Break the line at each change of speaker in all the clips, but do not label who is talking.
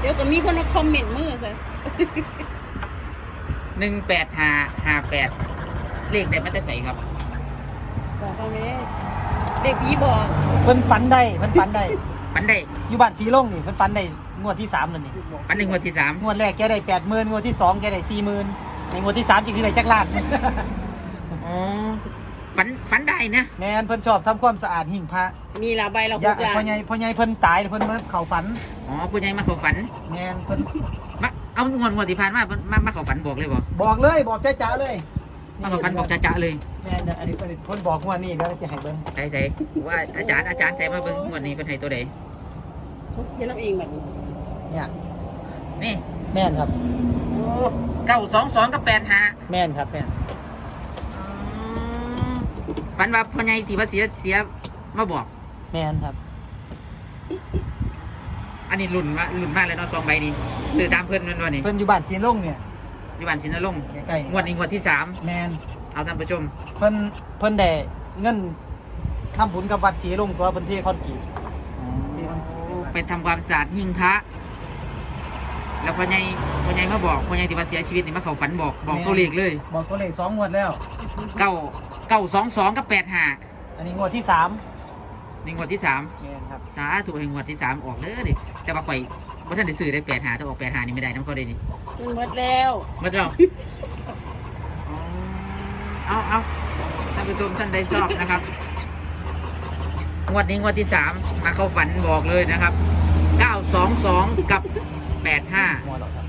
ดี๋ยวก็มีคนมาคอมเมนต์มือซะ
18558เลขได้มาแต่ใส่ครับ
บอกเขาไหมเด็กพี่บอก
เพิ่นฝันได้เพิ่นฝันได้
ฝันได้
อยู่บ้านสีลงนี่เพิ่นฝันได้งวดที่3นั่นนี่
ฝันในงวดที่3
งวดแรกแกได้80,000งวดที่2แกได้40,000ในงวดที่3จังสิได้จักล้าน
อ๋อฝันได้นะ
แม่นเพิ่นชอบทำความสะอาดหิ้งพระ
มีละใบละ
อ
ห
ย่าก
อย่าง
พ่อใหญ่เพิ่นตายเพิ่นมาเข้าฝัน
อ๋อผู้ใหญ่มาเข้าฝัน
แม่นเพิ่น
มาเอางวดที่ผ่านมาเพิ่นมาเข้าฝันบอกเลยบ่
บอกเลยบอกจ้าๆเลย
มาเข้าฝันบอกจ้าๆเลย
แม่นอันนี้เพิ่นบอกงวดนี้แล้วจะให้เบิ่ง
ใส่ว่าอาจารย์ใส่มาเบิ่งงวดนี้เพิ่นให้ตัวใด
เขาเขียนเอาเองแบบนี้
เนี่ย
นี่
แม่นครับ
โอ้922กับ85
แม่นครับแม่น
ฝันว่าพ่อใหญ่ที่ว่าเสียมาบอก
แม่นครับ
อันนี้รุ่นมากเลยเนาะ2ใบนี้ซื้อตามเพิ่นแม่นบ่นี่
เพิ่นอยู่บ้านสีลงเนี่ย
อยู่บ้านสินนรงค์
ใกล้
งวดนี้งวดที่
ๆแม่น
3เอาท่านผู้ชม
เพิ่นได้เงินทำบุญกับวัดศรีลงตัวเพิ่นเทคอนกรีต
ไปทำความสะอาดหิ้งพระแล้วพ่อใหญ่มาบอกพ่อใหญ่ที่ว่าเสียชีวิตนี่มาเข้าฝันบอกตัวเลขเลย
บอกตัวเลข2งวดแล้ว
922กับ85
อันนี้งวดที่3
นี่งวดที่3
แม่นครับ
สาธุให้งวดที่3ออกเด้อดิแต่ว่าข่อยบ่ทันได้ซื้อได้85ถ้าออก85นี่ไม่ได้นำเขาได้นี่
มันหมดแล้ว
หมดแล้วเอาท่านผู้ชมท่านใดชอบนะครับงวดนี้งวดที่3มาเข้าฝันบอกเลยนะครับ922กับ85
งวดหรอกครับ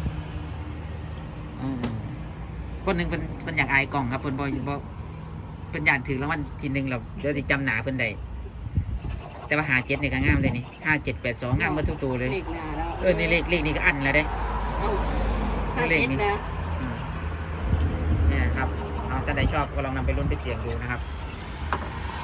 คนหนึ่งเป็นอยากอายกล่องครับเพิ่นบ่เป็นอยากถือรางวัลทีหนึ่งเราเดี๋ยวสิจำหนาเพิ่นได้แต่ว่า57นี่ก็งามเลยนี่5782งามหมดทุกตัวเลย
เลขหน้าแล้ว
นี่เลขนี่ก็อันแล้วเด้
เอาห้า
เลข
เจ็ด
นี้
นะ
นี่นะครับเอาถ้าใดชอบก็ลองนำไปลุ้นไปเสี่ยงดูนะครับ